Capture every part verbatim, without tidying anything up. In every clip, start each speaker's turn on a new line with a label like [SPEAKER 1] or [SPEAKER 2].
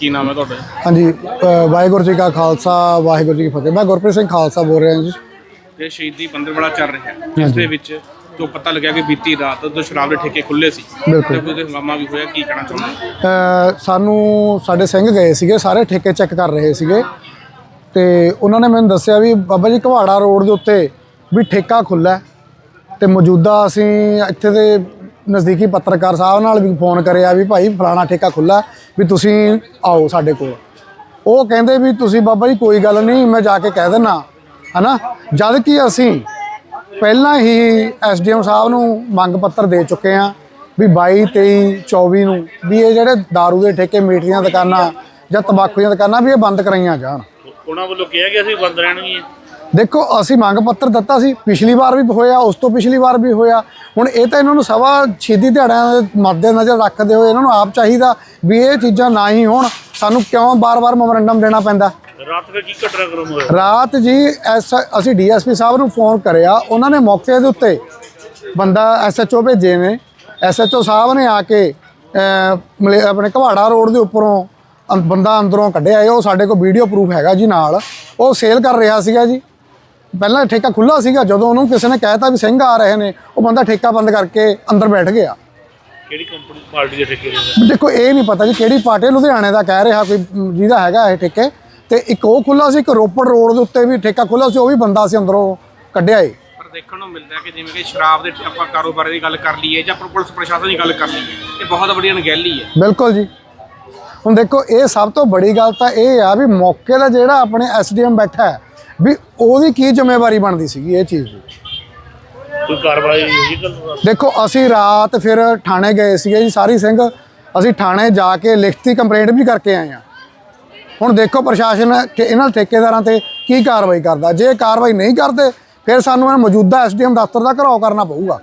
[SPEAKER 1] ਕੀ ਨਾਮ ਹੈ ਤੁਹਾਡਾ?
[SPEAKER 2] ਹਾਂਜੀ, ਵਾਹਿਗੁਰੂ ਜੀ ਕਾ ਖਾਲਸਾ ਵਾਹਿਗੁਰੂ ਜੀ ਕੀ ਫਤਿਹ। ਮੈਂ ਗੁਰਪ੍ਰੀਤ ਸਿੰਘ ਖਾਲਸਾ ਬੋਲ ਰਿਹਾ ਜੀ।
[SPEAKER 1] ਇਹ ਸ਼ਹੀਦੀ ਪੰਦਰਵਾੜਾ ਚੱਲ ਰਿਹਾ ਹੈ, ਜਿਸ ਦੇ ਵਿੱਚ ਜੋ ਪਤਾ ਲੱਗਿਆ ਕਿ ਬੀਤੀ ਰਾਤ ਤੋਂ ਸ਼ਰਾਬ ਦੇ ਠੇਕੇ ਖੁੱਲੇ ਸੀ ਤੇ ਉਹਦੇ ਹੰਗਾਮਾ ਵੀ ਹੋਇਆ, ਕੀ ਕਹਿਣਾ ਚਾਹੁੰਦੇ?
[SPEAKER 2] ਸਾਨੂੰ ਸਾਡੇ ਸਿੰਘ ਗਏ ਸੀਗੇ, ਸਾਰੇ ਠੇਕੇ ਚੈੱਕ ਕਰ ਰਹੇ ਸੀਗੇ ਤੇ ਉਹਨਾਂ ਨੇ ਮੈਨੂੰ ਦੱਸਿਆ ਵੀ ਬਾਬਾ ਜੀ ਘਵਾੜਾ ਰੋਡ ਦੇ ਉੱਤੇ ਵੀ ਠੇਕਾ ਖੁੱਲ੍ਹਾ ਤੇ ਮੌਜੂਦਾ ਅਸੀਂ ਇੱਥੇ ਦੇ ਨਜ਼ਦੀਕੀ ਪੱਤਰਕਾਰ ਸਾਹਿਬ ਨਾਲ ਵੀ ਫੋਨ ਕਰਿਆ ਵੀ ਭਾਈ ਫਲਾਣਾ ਠੇਕਾ ਖੁੱਲ੍ਹਾ ਵੀ ਤੁਸੀਂ ਆਓ ਸਾਡੇ ਕੋਲ। ਉਹ ਕਹਿੰਦੇ ਵੀ ਤੁਸੀਂ ਬਾਬਾ ਜੀ ਕੋਈ ਗੱਲ ਨਹੀਂ, ਮੈਂ ਜਾ ਕੇ ਕਹਿ ਦਿੰਦਾ ਹੈ ਨਾ। ਜਦ ਕਿ ਅਸੀਂ ਪਹਿਲਾਂ ਹੀ ਐਸ ਡੀ ਐਮ ਸਾਹਿਬ ਨੂੰ ਮੰਗ ਪੱਤਰ ਦੇ ਚੁੱਕੇ ਹਾਂ ਵੀ ਬਾਈ ਤੇਈ ਚੌਵੀ ਨੂੰ ਵੀ ਇਹ ਜਿਹੜੇ ਦਾਰੂ ਦੇ ਠੇਕੇ, ਮੀਟ ਦੀਆਂ ਦੁਕਾਨਾਂ ਜਾਂ ਤੰਬਾਕੂ ਦੀਆਂ ਦੁਕਾਨਾਂ ਵੀ ਇਹ ਬੰਦ ਕਰਾਈਆਂ ਜਾਣ।
[SPEAKER 1] ਉਹਨਾਂ ਵੱਲੋਂ ਕਿਹਾ ਗਿਆ ਅਸੀਂ ਬੰਦ ਰਹਿਣਗੀਆਂ।
[SPEAKER 2] ਦੇਖੋ ਅਸੀਂ ਮੰਗ ਪੱਤਰ ਦਿੱਤਾ ਸੀ, ਪਿਛਲੀ ਵਾਰ ਵੀ ਹੋਇਆ, ਉਸ ਤੋਂ ਪਿਛਲੀ ਵਾਰ ਵੀ ਹੋਇਆ। ਹੁਣ ਇਹ ਤਾਂ ਇਹਨਾਂ ਨੂੰ ਸਵਾ ਸ਼ਹੀਦੀ ਦਿਹਾੜਿਆਂ ਦੇ ਮੱਦੇ ਨਜ਼ਰ ਰੱਖਦੇ ਹੋਏ ਇਹਨਾਂ ਨੂੰ ਆਪ ਚਾਹੀਦਾ ਵੀ ਇਹ ਚੀਜ਼ਾਂ ਨਾ ਹੀ ਹੋਣ। ਸਾਨੂੰ ਕਿਉਂ ਬਾਰ-ਬਾਰ ਮੈਮੋਰੰਡਮ ਦੇਣਾ ਪੈਂਦਾ?
[SPEAKER 1] ਰਾਤ ਦਾ ਕੀ ਘਟਨਾਕ੍ਰਮ ਹੋਇਆ? ਰਾਤ
[SPEAKER 2] ਜੀ ਐਸ ਅਸੀਂ ਡੀ ਐਸ ਪੀ ਸਾਹਿਬ ਨੂੰ ਫੋਨ ਕਰਿਆ, ਉਹਨਾਂ ਨੇ ਮੌਕੇ ਦੇ ਉੱਤੇ ਬੰਦਾ ਐਸ ਐਚ ਓ ਭੇਜੇ ਨੇ। ਐਸ ਐਚ ਓ ਸਾਹਿਬ ਨੇ ਆ ਕੇ ਆਪਣੇ ਘਵਾੜਾ ਰੋਡ ਦੇ ਉੱਪਰੋਂ ਬੰਦਾ ਅੰਦਰੋਂ ਕੱਢਿਆ। ਉਹ ਸਾਡੇ ਕੋਲ ਵੀਡੀਓ ਪ੍ਰੂਫ ਹੈਗਾ ਜੀ ਨਾਲ। ਉਹ ਸੇਲ ਕਰ ਰਿਹਾ ਸੀਗਾ ਜੀ। ਪਹਿਲਾਂ ਠੇਕਾ ਖੁੱਲ੍ਹਾ ਸੀਗਾ, ਜਦੋਂ ਉਹਨੂੰ ਕਿਸੇ ਨੇ ਕਹਿਤਾ ਵੀ ਸਿੰਘ ਆ ਰਹੇ ਨੇ, ਉਹ ਬੰਦਾ ਠੇਕਾ ਬੰਦ ਕਰਕੇ ਅੰਦਰ ਬੈਠ ਗਿਆ।
[SPEAKER 1] ਕਿਹੜੀ ਕੰਪਨੀ ਪਾਰਟੀ ਦੇ ਠੇਕੇ?
[SPEAKER 2] ਦੇਖੋ ਇਹ ਨਹੀਂ ਪਤਾ ਜੀ ਕਿਹੜੀ ਪਾਰਟੀ, ਲੁਧਿਆਣੇ ਦਾ ਕਹਿ ਰਿਹਾ ਕੋਈ ਜਿਹਦਾ ਹੈਗਾ ਇਹ ਠੇਕੇ। ਤੇ ਇੱਕ ਉਹ ਖੁੱਲ੍ਹਾ ਸੀ, ਇੱਕ ਰੋਪੜ ਰੋਡ ਦੇ ਉੱਤੇ ਵੀ ਠੇਕਾ ਖੁੱਲ੍ਹਾ ਸੀ, ਉਹ ਵੀ ਬੰਦਾ ਸੀ ਅੰਦਰੋਂ ਕੱਢਿਆ ਏ।
[SPEAKER 1] ਪਰ ਦੇਖਣ ਨੂੰ ਮਿਲਦਾ ਕਿ ਜਿਵੇਂ ਕਿ ਸ਼ਰਾਬ ਦੇ ਆਪਾਂ ਕਾਰੋਬਾਰ ਦੀ ਗੱਲ ਕਰ ਲਈਏ ਜਾਂ ਪੁਲਿਸ ਪ੍ਰਸ਼ਾਸਨ ਦੀ ਗੱਲ ਕਰ ਲਈਏ, ਇਹ ਬਹੁਤ ਵੱਡੀ ਅਣਗਹਿਲੀ ਹੈ।
[SPEAKER 2] ਬਿਲਕੁਲ ਜੀ। ਹੁਣ ਦੇਖੋ ਇਹ ਸਭ ਤੋਂ ਬੜੀ ਗੱਲ ਤਾਂ ਇਹ ਆ ਵੀ ਮੌਕੇ ਦਾ ਜਿਹੜਾ ਆਪਣੇ ਐਸ ਡੀ ਐਮ ਬੈਠਾ ਹੈ ਵੀ ਉਹਦੀ ਕੀ ਜ਼ਿੰਮੇਵਾਰੀ ਬਣਦੀ ਸੀਗੀ ਇਹ ਚੀਜ਼ ਦੀ।
[SPEAKER 1] ਕੋਈ ਕਾਰਵਾਈ ਹੋਈ?
[SPEAKER 2] ਦੇਖੋ ਅਸੀਂ ਰਾਤ ਫਿਰ ਥਾਣੇ ਗਏ ਸੀਗੇ ਜੀ ਸਾਰੀ ਸਿੰਘ। ਅਸੀਂ ਥਾਣੇ ਜਾ ਕੇ ਲਿਖਤੀ ਕੰਪਲੇਂਟ ਵੀ ਕਰਕੇ ਆਏ ਹਾਂ। ਹੁਣ ਦੇਖੋ ਪ੍ਰਸ਼ਾਸਨ ਇਹਨਾਂ ਠੇਕੇਦਾਰਾਂ ਤੇ ਕੀ ਕਾਰਵਾਈ ਕਰਦਾ। ਜੇ ਕਾਰਵਾਈ ਨਹੀਂ ਕਰਦੇ ਫਿਰ ਸਾਨੂੰ ਇਹ ਮੌਜੂਦਾ ਐਸ ਡੀ ਐਮ ਦਫ਼ਤਰ ਦਾ ਘਿਰਾਓ ਕਰਨਾ ਪਊਗਾ।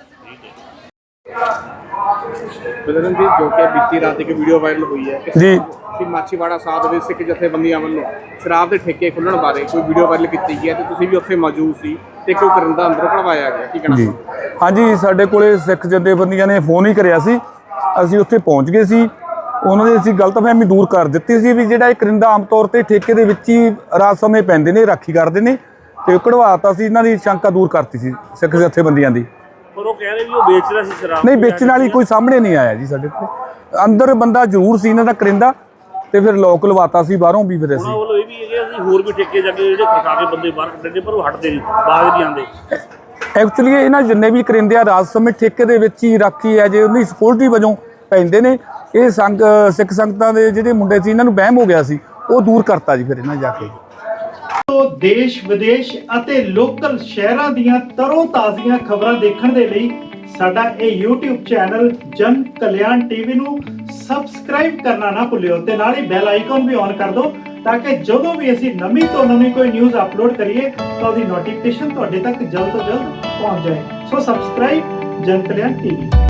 [SPEAKER 1] ਬਦਰਨ ਜੀ, ਜੋ ਕਿ ਬੀਤੀ ਰਾਤ ਇੱਕ ਵੀਡੀਓ ਵਾਇਰਲ ਹੋਈ ਹੈ
[SPEAKER 2] ਜੀ
[SPEAKER 1] ਕਿ ਮਾਛੀਵਾੜਾ ਸਾਹਿਬ ਦੇ ਸਿੱਖ ਜਥੇਬੰਦੀਆਂ ਵੱਲੋਂ ਸ਼ਰਾਬ ਦੇ ਠੇਕੇ ਖੁੱਲ੍ਹਣ ਬਾਰੇ ਕੋਈ ਵੀਡੀਓ ਵਾਇਰਲ ਕੀਤੀ ਗਈ ਹੈ ਤੇ ਤੁਸੀਂ ਵੀ ਉੱਥੇ ਮੌਜੂਦ ਸੀ ਤੇ ਕਿਉਂ ਕਰਿੰਦਾ ਅੰਦਰੋਂ ਕਢਵਾਇਆ ਗਿਆ, ਕੀ ਕਹਿਣਾ?
[SPEAKER 3] ਜੀ ਹਾਂਜੀ, ਸਾਡੇ ਕੋਲੇ ਸਿੱਖ ਜਥੇਬੰਦੀਆਂ ਨੇ ਫੋਨ ਹੀ ਕਰਿਆ ਸੀ। ਅਸੀਂ ਉੱਥੇ ਪਹੁੰਚ ਗਏ ਸੀ। ਉਹਨਾਂ ਦੀ ਅਸੀਂ ਗਲਤਫਹਿਮੀ ਦੂਰ ਕਰ ਦਿੱਤੀ ਸੀ ਵੀ ਜਿਹੜਾ ਇਹ ਕਰਿੰਦਾ ਆਮ ਤੌਰ ਤੇ ਠੇਕੇ ਦੇ ਵਿੱਚ ਹੀ ਰਾਤ ਸਮੇਂ ਪੈਂਦੇ ਨੇ, ਰਾਖੀ ਕਰਦੇ ਨੇ, ਤੇ ਕਢਵਾਤਾ ਸੀ। ਇਹਨਾਂ ਦੀ ਸ਼ੰਕਾ ਦੂਰ ਕਰਤੀ ਸੀ ਸਿੱਖ ਜਥੇਬੰਦੀਆਂ ਦੀ।
[SPEAKER 1] ਪਰ ਉਹ ਕਹਿੰਦੇ ਵੀ ਉਹ ਵੇਚਦਾ ਸੀ ਸ਼ਰਾਬ।
[SPEAKER 3] ਨਹੀਂ, ਵੇਚਣ ਵਾਲੀ ਕੋਈ ਸਾਹਮਣੇ ਨਹੀਂ ਆਇਆ ਜੀ ਸਾਡੇ ਕੋਲ। ਅੰਦਰ ਬੰਦਾ ਜ਼ਰੂਰ ਸੀ ਇਹਨਾਂ ਦਾ ਕਰਿੰਦਾ, ਤੇ ਫਿਰ ਲੋਕ ਲਵਾਤਾ ਸੀ ਬਾਹਰੋਂ ਵੀ। ਫਿਰ ਅਸੀਂ
[SPEAKER 1] ਉਹਨਾਂ ਇਹ ਵੀ ਹੈਗੇ ਅਸੀਂ ਹੋਰ ਵੀ ਠੇਕੇ ਜਾ ਕੇ ਜਿਹੜੇ ਖਰਚਾ ਕੇ ਬੰਦੇ ਬਾਹਰ ਕੱਢਦੇ ਪਰ ਉਹ ਹਟਦੇ ਨਹੀਂ, ਬਾਹਰ ਨਹੀਂ ਆਉਂਦੇ।
[SPEAKER 3] ਐਕਚੁਅਲੀ ਇਹਨਾਂ ਜਿੰਨੇ ਵੀ ਕਰਿੰਦੇ ਆ ਰਾਤ ਸਮੇਂ ਠੇਕੇ ਦੇ ਵਿੱਚ ਹੀ ਰਾਖੀ ਹੈ ਜੇ ਉਹਦੀ ਸਕਿਉਰਟੀ ਵਜੋਂ ਪੈਂਦੇ ਨੇ। ਇਹ ਸੰਗ ਸਿੱਖ ਸੰਗਤਾਂ ਦੇ ਜਿਹੜੇ ਮੁੰਡੇ ਸੀ ਇਹਨਾਂ ਨੂੰ ਵਹਿਮ ਹੋ ਗਿਆ ਸੀ, ਉਹ ਦੂਰ ਕਰਤਾ ਜੀ ਫਿਰ ਇਹਨਾਂ ਜਾ ਕੇ।
[SPEAKER 4] ਦੇਸ਼ ਵਿਦੇਸ਼ ਅਤੇ ਲੋਕਲ ਸ਼ਹਿਰਾਂ ਦੀਆਂ ਤਰੋ ਤਾਜ਼ੀਆਂ ਖਬਰਾਂ ਦੇਖਣ ਦੇ ਲਈ ਸਾਡਾ ਇਹ YouTube ਚੈਨਲ ਜਨ ਕਲਿਆਣ ਟੀਵੀ ਨੂੰ ਸਬਸਕ੍ਰਾਈਬ ਕਰਨਾ ਨਾ ਭੁੱਲਿਓ ਤੇ ਨਾਲ ਹੀ ਬੈਲ ਆਈਕਨ ਵੀ ਔਨ ਕਰ ਦਿਓ ਤਾਂ ਕਿ ਜਦੋਂ ਵੀ ਅਸੀਂ ਨਵੀਂ ਤੋਂ ਨਵੀਂ ਕੋਈ ਨਿਊਜ਼ ਅਪਲੋਡ ਕਰੀਏ ਤਾਂ ਉਹਦੀ ਨੋਟੀਫਿਕੇਸ਼ਨ ਤੁਹਾਡੇ ਤੱਕ ਜਲਦ ਤੋਂ ਜਲਦ ਪਹੁੰਚ ਜਾਏ। ਸੋ ਸਬਸਕ੍ਰਾਈਬ ਜਨ ਕਲਿਆਣ ਟੀਵੀ।